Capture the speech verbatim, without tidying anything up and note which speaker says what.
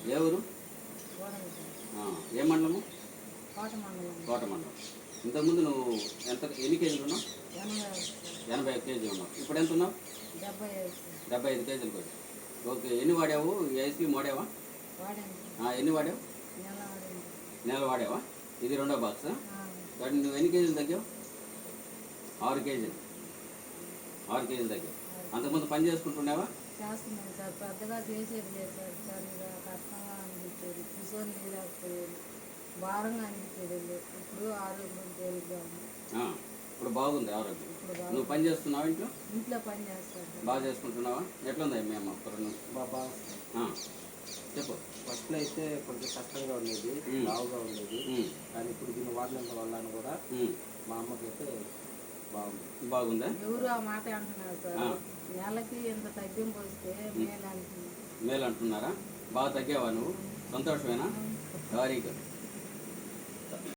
Speaker 1: ఏ ఊరు? ఏ మండలము? కోట మండలం. ఇంతకుముందు నువ్వు ఎంత ఎన్ని కేజీలు ఉన్నావు? ఎనభై ఐదు కేజీలు ఉన్నావు. ఇప్పుడు ఎంత ఉన్నావు? డెబ్బై ఐదు కేజీలు కూడా. ఓకే. ఎన్ని వాడావు? ఏసీ వాడావా? ఎన్ని వాడావు? నెల వాడావా? ఇది రెండో బాక్స్. కానీ నువ్వు ఎన్ని కేజీలు తగ్గావు? ఆరు కేజీలు ఆరు కేజీలు తగ్గావు. అంతకుముందు పని చేసుకుంటున్నావా?
Speaker 2: చేస్తున్నాను సార్. పెద్దగా చేసేది లేదు సార్. సార్ ఇక కష్టంగా అనిపించేది, కూర్చొని లేకపోయేది, భారంగా అనిపించేది. ఇప్పుడు ఆరోగ్యం తేలిగ్గా ఉంది.
Speaker 1: ఇప్పుడు బాగుంది ఆరోగ్యం. నువ్వు పని చేస్తున్నావా? ఇంట్లో
Speaker 2: ఇంట్లో పని చేస్తాను.
Speaker 1: బాగా చేసుకుంటున్నావా? ఎట్లుంది మేము అప్పుడు
Speaker 3: బాబా
Speaker 1: చెప్పు.
Speaker 3: ఫస్ట్లో అయితే కొంచెం కష్టంగా ఉండేది, బాగుగా ఉండేది. కానీ ఇప్పుడు దీన్ని వాడినంత వల్ల కూడా మా అమ్మకి అయితే బాగుంది.
Speaker 1: బాగుందా?
Speaker 2: ఎవరు ఆ మాట అంటున్నారు సార్. నెలకి ఎంత తగ్గింపు వస్తే మేలు అంటున్నారు.
Speaker 1: మేలు అంటున్నారా? బాగా తగ్గావా నువ్వు? సంతోషమేనా? Very good.